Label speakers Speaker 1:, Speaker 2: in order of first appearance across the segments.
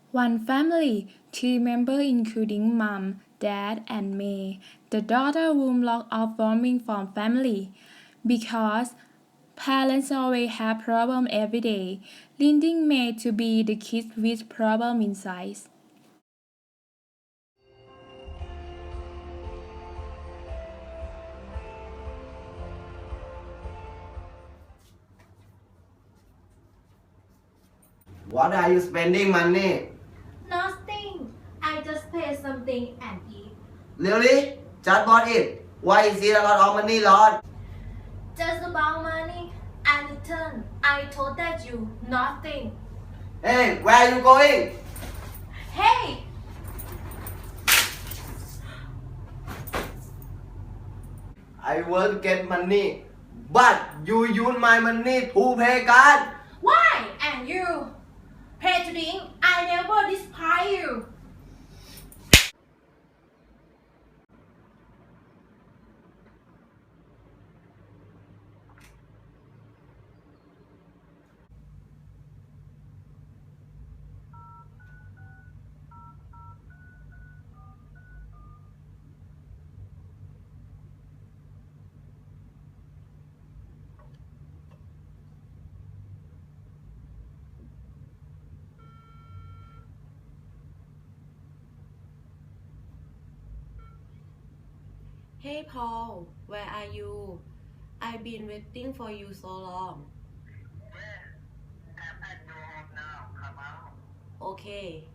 Speaker 1: One family, three members including mom, dad, and May. The daughter room locked off warming from family because parents always have problem every day, leading May to be the kid with problem inside.
Speaker 2: What are you spending money?
Speaker 3: Nothing. I just pay something and eat.
Speaker 2: Really? Just bought it. Why is it a lot of money, Lord?
Speaker 3: Just about money and return. I told that you nothing.
Speaker 2: Hey, where are you going?
Speaker 3: Hey!
Speaker 2: I want to get money, but you use my money to pay card.
Speaker 3: Why? And you? Pay to drink. I never despise you.
Speaker 4: Hey Paul, where are you? I've been waiting for you so long.
Speaker 5: I'm at your home now. Come out.
Speaker 4: Okay.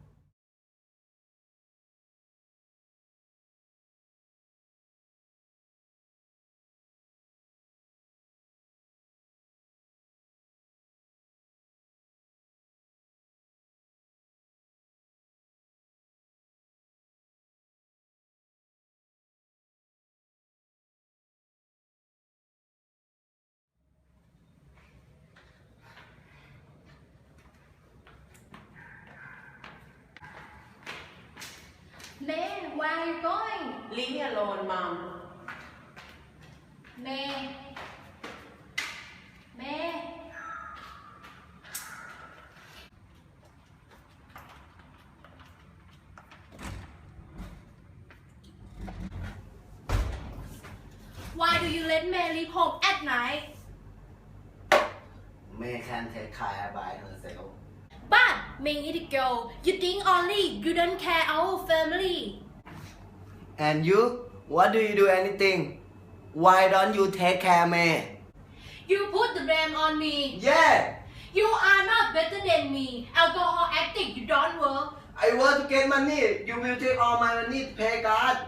Speaker 3: May, where are you going?
Speaker 4: Leave me alone, Mom.
Speaker 3: May. May. Why do you let May leave home at night?
Speaker 2: May can take care by herself.
Speaker 3: But May is a girl. You think only you don't care our family.
Speaker 2: And you? What do you do anything? Why don't you take care, May?
Speaker 3: You put the blame on me.
Speaker 2: Yeah,
Speaker 3: You are not better than me. Alcohol addict, you don't work.
Speaker 2: I want to get money. You will take all my money to pay card.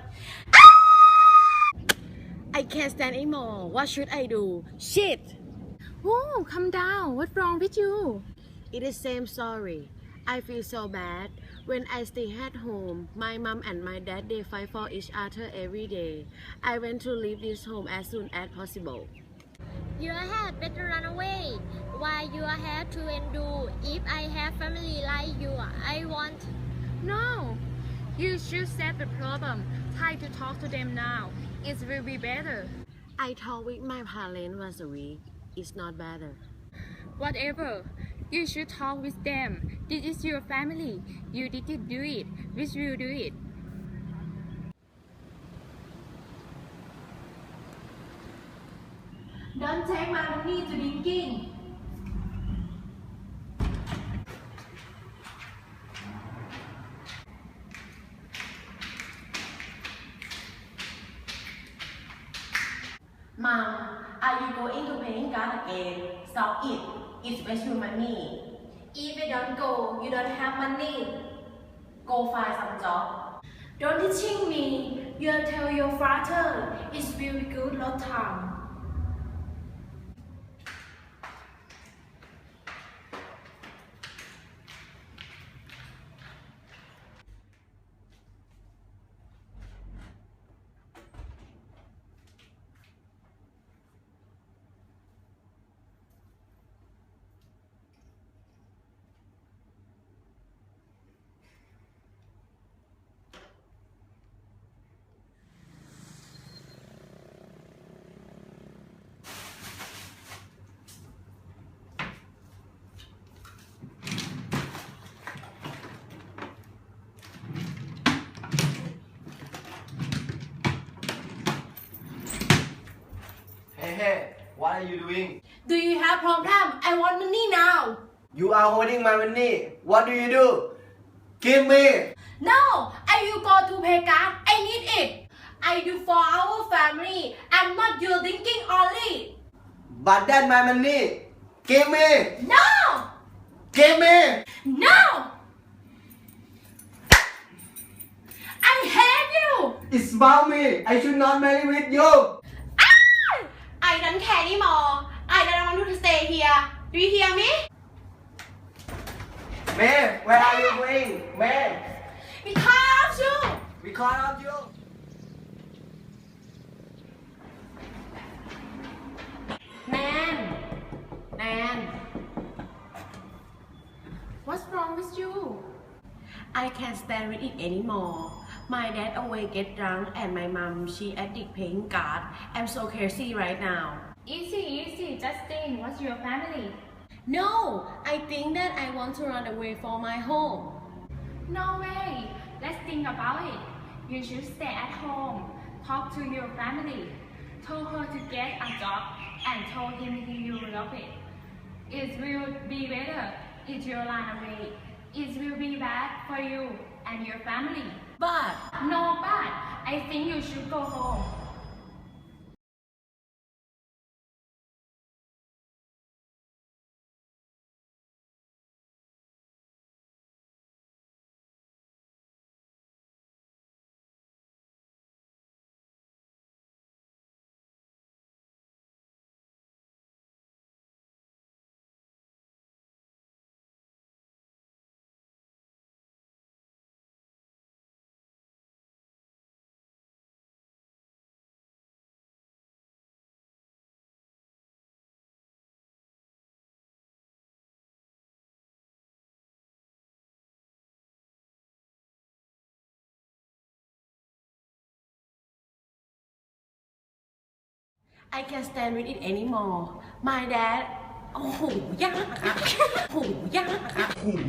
Speaker 4: I can't stand anymore. What should I do? Shit!
Speaker 1: Oh, calm down. What's wrong with you?
Speaker 4: It is same story. I feel so bad. When I stay at home, my mom and my dad they fight for each other every day. I want to leave this home as soon as possible.
Speaker 6: You had better run away. Why you have to endure? If I have family like you, I want.
Speaker 1: No. You should set the problem. Try to talk to them now. It will be better.
Speaker 4: I talked with my parents once a week. It's not better.
Speaker 1: Whatever. You should talk with them. This is your family. You didn't do it. We will do it.
Speaker 3: Don't take my money to drinking.
Speaker 4: Mom, are you going to paying card again? Stop it. It's waste your money.
Speaker 3: If you don't go, you don't have money.
Speaker 4: Go find some job.
Speaker 3: Don't teaching me. You tell your father. It's very good lot time.
Speaker 2: are you doing?
Speaker 3: Do you have problem? I want money now.
Speaker 2: You are holding my money. What do you do? Give me.
Speaker 3: No, I will go to pay card. I need it. I do for our family. I'm not your thinking only.
Speaker 2: But that's my money. Give me.
Speaker 3: No,
Speaker 2: Give me.
Speaker 3: no. I hate you.
Speaker 2: It's about me. I should not marry with you.
Speaker 3: I don't care anymore. I don't want to stay here. Do you hear me?
Speaker 2: May, where are you going? May,
Speaker 3: Because you.
Speaker 2: because of you.
Speaker 4: Nan,
Speaker 3: What's wrong with you?
Speaker 4: I can't stand with it anymore. My dad always get drunk and my mom, she addict playing card. I'm so crazy right now.
Speaker 1: Easy, Justin. What's your family?
Speaker 4: No, I think that I want to run away from my home.
Speaker 1: No way. Let's think about it. You should stay at home. Talk to your family. Told her to get a job and told him you love it. It will be better if you run away. It will be bad for you and your family.
Speaker 4: But
Speaker 1: No, but I think you should go home.
Speaker 4: I can't stand with it anymore. My dad โอ้โหยากอะโอ้โหยากอะ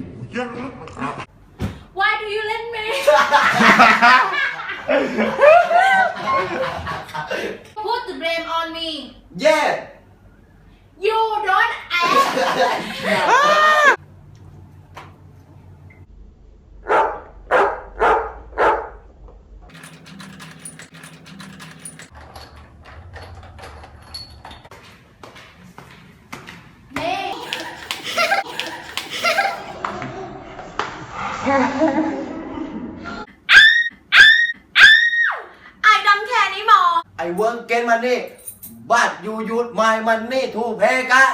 Speaker 3: Why do you let me? Put the blame on me.
Speaker 2: Yeah.
Speaker 3: You don't ask. Hey. I don't care anymore.
Speaker 2: I won't get money, but you use my money to pay card.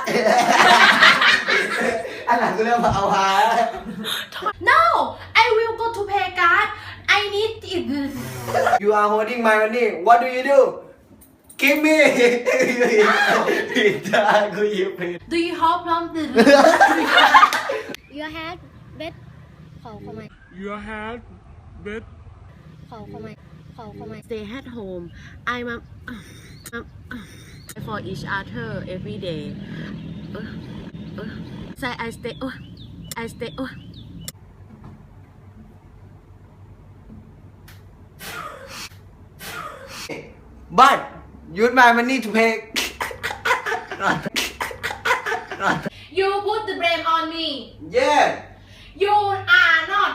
Speaker 2: อันหลังก็เรื่องเอาหา
Speaker 3: No, I will go to pay card. I need it.
Speaker 2: You are holding my money. What do you do? Give me. ผิดทางกูหยิบผิด
Speaker 3: Do you have problem?
Speaker 6: Your head bed ขอเข้ามา
Speaker 7: Your head bed
Speaker 6: ขอเข้ามาขอเข้ามา
Speaker 4: Stay at home. I'm for each other every day. Say I stay. I stay.
Speaker 2: But use my money to pay.
Speaker 3: You put the blame on me.
Speaker 2: Yeah.
Speaker 3: You are not.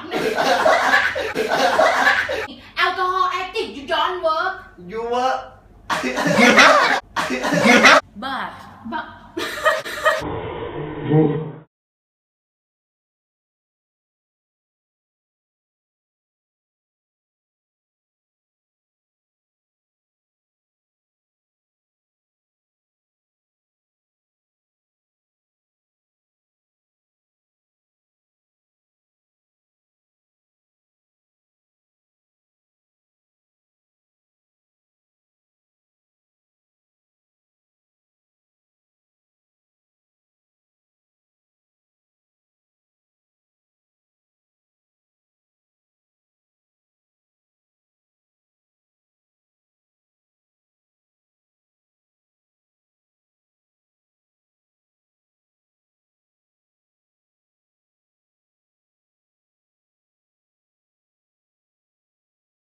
Speaker 3: Alcohol addict, you don't work.
Speaker 2: You were.